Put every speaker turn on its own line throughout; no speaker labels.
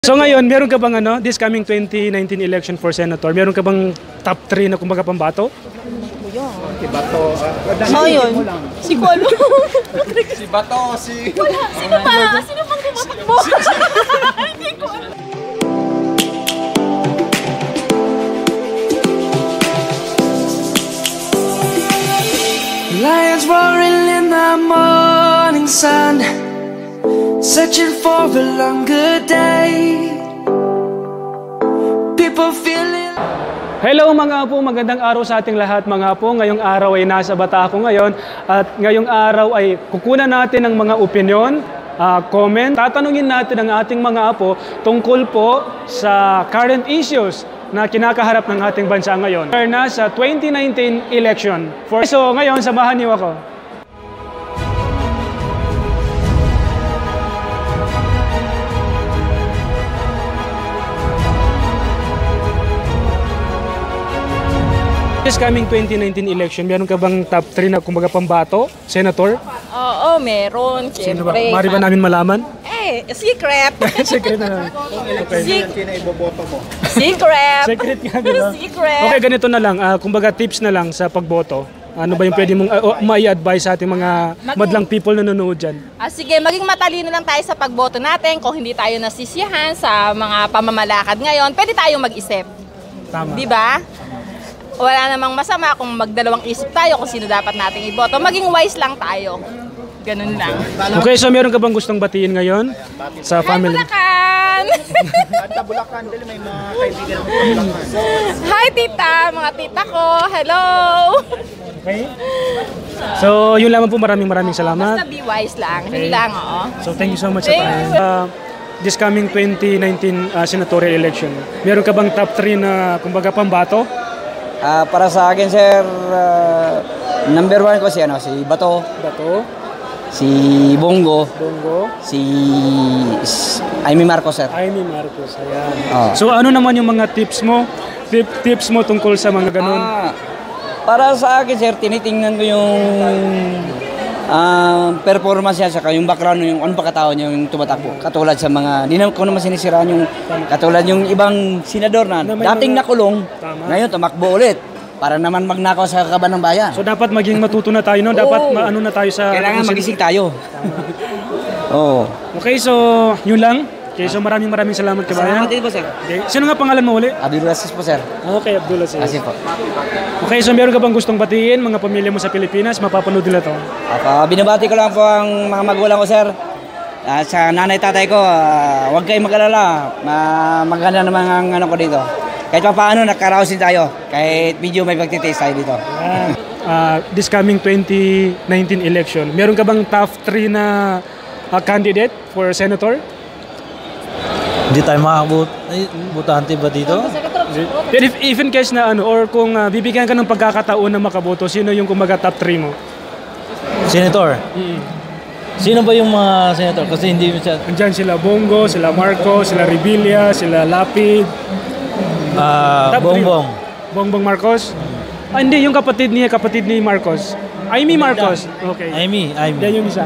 So ngayon, meron ka bang this coming 2019 election for senator, meron ka bang top 3 na kumbaga pambato?
Si Bato.
Yun. Si Kualo.
Si Bato, si...
Wala. Sino ba? Sino bang tumatakbo? Hindi ko alam.
Lions roaring in the morning sun, searching for a longer day. People feeling.
Hello mga apo, magandang araw sa ating lahat mga apo. Ngayong araw ay nasa Bata ako ngayon at ngayong araw ay kukunan natin ng mga opinion, comment. Tatanungin natin ang ating mga apo tungkol po sa current issues na kinakaharap ng ating bansa ngayon. Na sa 2019 election. So ngayon, samahan niyo ako. This coming 2019 election, meron ka bang top 3 na kumbaga pambato, senator?
Oo, meron.
Sino ba?
Siyempre.
Mari ba namin malaman?
Secret.
Secret na lang.
Sino iboboto mo?
Secret.
Secret nga, di ba?
Secret.
Okay, ganito na lang. Kumbaga tips na lang sa pagboto. Ano ba yung pwede mong mai-advise sa ating mga madlang people na nanonood dyan?
Sige, maging matalino lang tayo sa pagboto natin. Kung hindi tayo nasisiyahan sa mga pamamalakad ngayon, pwede tayong mag-isip.
Tama.
Di ba? Wala namang masama kung magdalawang isip tayo kung sino dapat nating iboto. Maging wise lang tayo. Ganun lang.
Okay, so meron ka bang gustong batiin ngayon sa family?
Hi, Bulacan!
At Bulacan, dali may mga kaibigan ng Bulacan.
Hi, tita! Mga tita ko! Hello!
Okay. So, yun lamang po. Maraming salamat.
Basta be wise lang. Hindi lang, oo.
So, thank you so much sa time. This coming 2019 senatorial election, meron ka bang top 3 na kumbaga pambato?
Para sa akin, sir, number 1 ko si Bato, si Bongo, si Amy Marcos, sir.
Amy Marcos, ayan.
Oh.
So ano naman yung mga tips mo? Tips mo tungkol sa mga ganun?
Para sa akin, sir, tinitingnan ko yung performance niya, saka yung background, yung ano pagkatao niya, yung tumatakbo. Katulad sa mga, hindi ko naman sinisiraan yung, katulad yung ibang senador na dating nakulong, ngayon tumakbo ulit. Para naman magnakaw sa kaban ng bayan.
So dapat maging matuto na tayo, no? Dapat maano na tayo sa...
Kailangan magising tayo. Oo.
Okay, so yun lang. Okay, so maraming salamat kabayan.
Salamat din po, sir.
Okay. Sino nga pangalan mo ulit?
Abdul Aziz po, sir.
Okay, Abdul Aziz.
Aziz po.
Okay, so meron ka bang gustong batiin mga pamilya mo sa Pilipinas? Mapapanood nila to.
Binabati ko lang po ang mga magulang ko, sir. Sa nanay tatay ko, huwag kayong mag-alala. Maganda naman ang ano ko dito. Kahit pa paano, nakaraosin tayo. Kahit medyo may pagtitaste tayo dito.
This coming 2019 election, meron ka bang top 3 na candidate for senator?
Hindi tayo makabutante ba dito?
If in case na or kung bibigyan ka ng pagkakataon na makaboto, sino yung kumaga top 3 mo?
Senator? Sino ba yung mga senator? Kasi hindi siya...
Andyan sila Bongo, sila Marcos, sila Revilla, sila Lapid.
Bongbong.
Bongbong Marcos? Hindi, yung kapatid ni Marcos. Amy Marcos. Okay.
Amy.
Yan yung isa.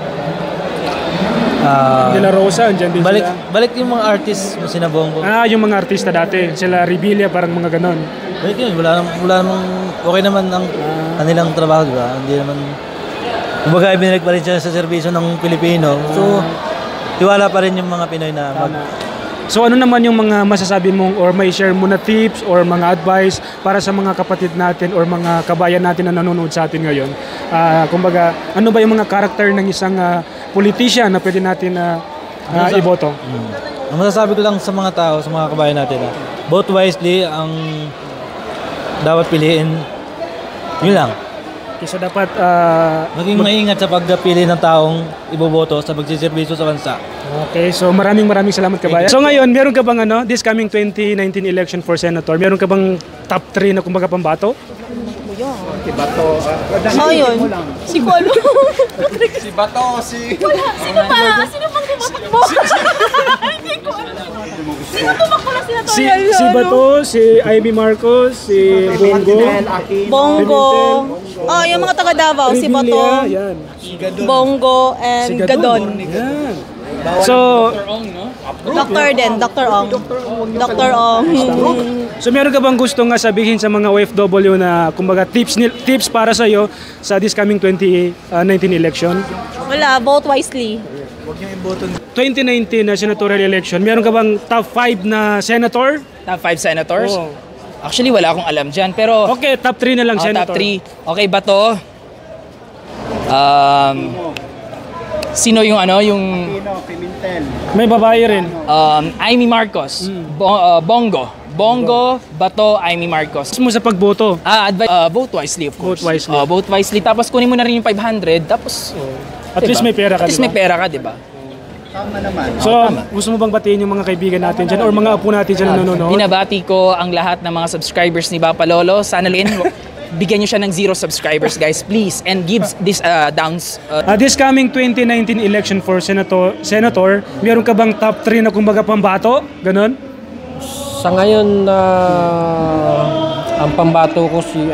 De La Rosa, andyan din sila.
Balik yung mga artist mo sina Bongo.
Yung mga artista dati. Sila Revilla, parang mga ganon.
Balik yun. Wala namang... Okay naman ang kanilang trabaho, di ba? Hindi naman... Kumbaga, ibinalik pa rin siya sa serbisyo ng Pilipino. So, tiwala pa rin yung mga Pinoy na
So ano naman yung mga masasabi mong or may share mo na tips or mga advice para sa mga kapatid natin or mga kabayan natin na nanonood sa atin ngayon? Kumbaga, ano ba yung mga karakter ng isang politician na pwede natin iboto?
Ang masasabi ko lang sa mga tao, sa mga kabayan natin, vote wisely ang dapat piliin. Yun lang.
Okay, so dapat
maging maingat sa pagpili ng taong iboboto sa pagsiservisyo sa bansa.
Okay, so maraming salamat kabayan. So ngayon, meron ka bang this coming 2019 election for senator, meron ka bang top 3 na kumbaga pambato?
Si Bato.
Yun. Si Kualo.
Si Bato, si...
Wala. Sino ba? Sino bang tumatakbo? Hindi ko alam. Sino tumakbo na sila to?
Si Bato, si Amy Marcos, si
Bongo. Yung mga taga Davao. Si Bato,
Yan.
Bongo, and Gadon.
Yan. So,
Dr. din, Dr. Ong. Dr. Ong.
so meron ka bang gustong sabihin sa mga OFW na kumbaga tips para sa iyo sa this coming 2019 election?
Wala, vote wisely.
2019 na senatorial election, meron ka bang top 5 na senator?
Top 5 senators?
Oo.
Actually, wala akong alam dyan. Pero,
Okay, top 3 na lang senator.
top 3. Okay ba to? Sino yung
May babae rin.
Amy Marcos. Bongo, Bato, Amy Marcos.
Gusto mo sa pagboto?
Vote wisely, of course.
Vote wisely.
Vote wisely. Tapos kunin mo na rin yung 500. Tapos,
At least may pera ka,
At least
diba?
may pera ka, di ba?
So, gusto mo bang batiin yung mga kaibigan natin dyan or mga apo natin dyan na nanonood?
Binabati ko ang lahat ng mga subscribers ni Papa Lolo. Sana rin, bigyan nyo siya ng 0 subscribers, guys, please. And give this downs.
This coming 2019 election for senator, meron ka bang top 3 na kumbaga pambato? Ganon?
Sa ngayon, ang pambato ko si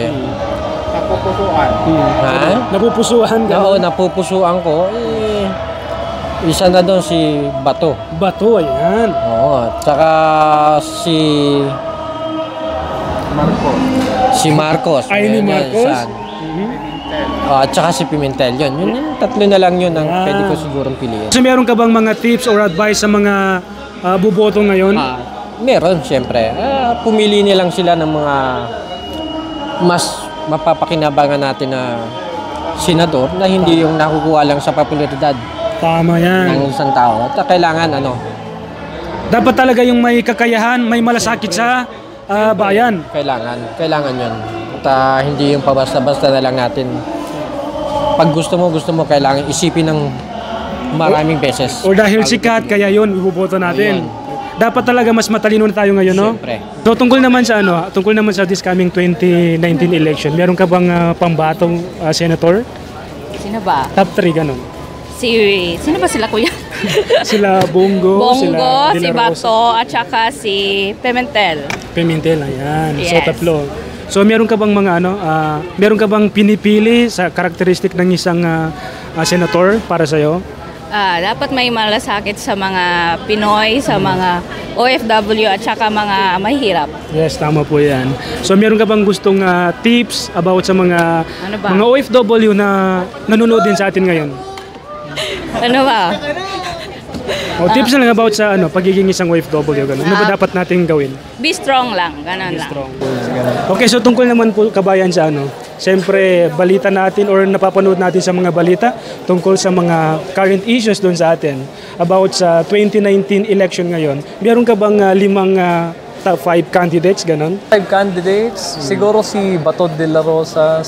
Napupusuhan ka?
Oo, napupusuan ko. Isa na doon si Bato.
Bato, ayan.
Oo, tsaka si Marcos.
Ay, ni
Ayan,
Marcos?
isa. At tsaka si Pimentel. Yun, tatlo na lang yun ang pwede ko sigurong piliin.
So, meron ka bang mga tips or advice sa mga buboto ngayon?
Meron, siyempre. Pumili nilang sila ng mga mas mapapakinabangan natin na senador na hindi yung nakukuha lang sa popularidad
Tama yan.
ng isang tao. At kailangan
Dapat talaga yung may kakayahan, may malasakit sa bayan.
Kailangan yun. At hindi yung pabasta-basta na lang natin. Pag gusto mo, kailangan isipin ng maraming beses.
O dahil sikat, kaya yun, ibuboto natin. Dapat talaga mas matalino na tayo ngayon, no?
Siyempre.
So, tungkol naman sa this coming 2019 election, meron ka bang pambatong senator?
Sino ba?
Top 3, ganun.
Sino ba sila, kuya?
Sila Bongo, sila De
si
La Rosa,
Bato, at saka si Pimentel.
Pimentel, ayan. So,
Yes.
tatlo. So, meron ka bang meron ka bang pinipili sa karakteristik ng isang senator para sa'yo?
Dapat may malasakit sa mga Pinoy, sa mga OFW at saka mga mahirap.
Yes, tama po yan. So, meron ka bang gustong tips about sa mga
Ano ba?
mga OFW na nanonood din sa atin ngayon?
Ano ba?
O, tips na lang about sa pagiging isang OFW. Ganun. Ano ba dapat natin gawin?
Be strong lang, ganun lang.
Okay, so tungkol naman po kabayan sa siyempre balita natin or napapanood natin sa mga balita tungkol sa mga current issues doon sa atin about sa 2019 election ngayon. Meron ka bang 5 top 5 candidates, ganon?
5 candidates, siguro si Bato de la Rosa,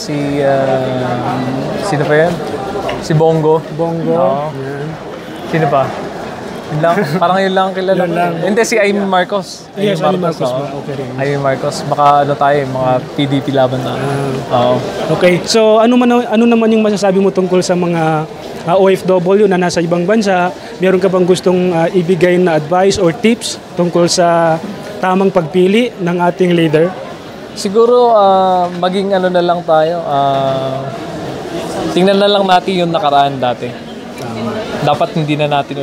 sino pa yan? Si Bongo. Oo.
Yan.
Sino pa? Yun lang. Parang yun lang kilala.
Yun lang.
Hindi, si Amy Marcos.
Yes, Amy Marcos
oo.
ba? Okay rin.
Amy Marcos. Baka tayo, mga PDP laban na. Oo.
Okay, so ano naman yung masasabi mo tungkol sa mga OFW na nasa ibang bansa? Meron ka bang gustong ibigay na advice or tips tungkol sa tamang pagpili ng ating leader?
Siguro, maging na lang tayo. Tingnan na lang natin yung nakaraan dati. Dapat hindi na natin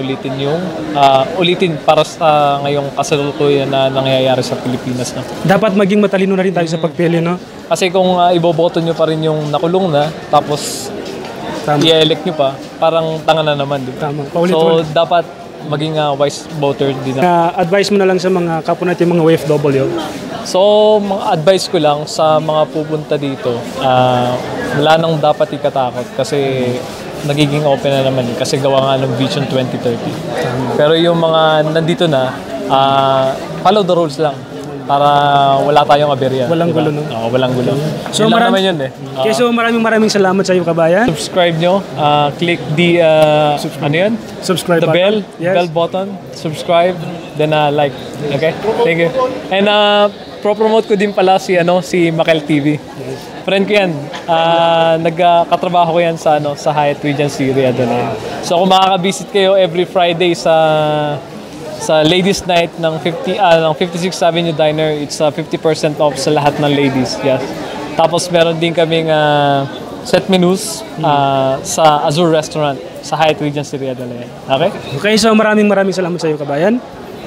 ulitin para sa ngayong kasalukuyan na nangyayari sa Pilipinas. No?
Dapat maging matalino na rin tayo sa pagpili, no?
Kasi kung iboboto nyo pa rin yung nakulong na, tapos i-elect nyo pa, parang tanga na naman. Di ba?
Tama.
So,
Paulit-ulit.
dapat maging wise voter din.
Advice mo na lang sa mga kapwa natin mga OFW.
So, mga advice ko lang sa mga pupunta dito, wala nang dapat ikatakot kasi nagiging open na naman kasi gawa nga ng Vision 2030. Pero yung mga nandito na, follow the rules lang para wala tayong aberya.
Walang
diba?
gulo, no?
Oo, walang gulo.
So,
Yun lang naman yun eh.
Okay, so maraming salamat sa iyo, kabayan.
Subscribe nyo, click the,
Subscribe
the
button.
bell,
Yes.
bell button, subscribe, then like. Okay? Thank you. And pro-promote ko din pala si Makel TV. Friend ko yan. Nagkatrabaho ko yan sa Hyatt Regency Adonai. So kung makaka-visit kayo every Friday sa Ladies Night ng 56th Avenue Diner, it's 50% off sa lahat ng ladies. Yes. Tapos meron din kaming set menus sa Azure Restaurant sa Hyatt Regency Ria de Leon. Okay?
Okay, so maraming salamat sa iyo, kabayan.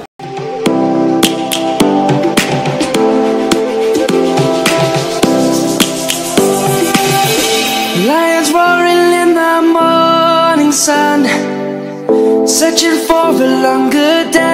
Lions roaring in the morning sun, searching for a longer day.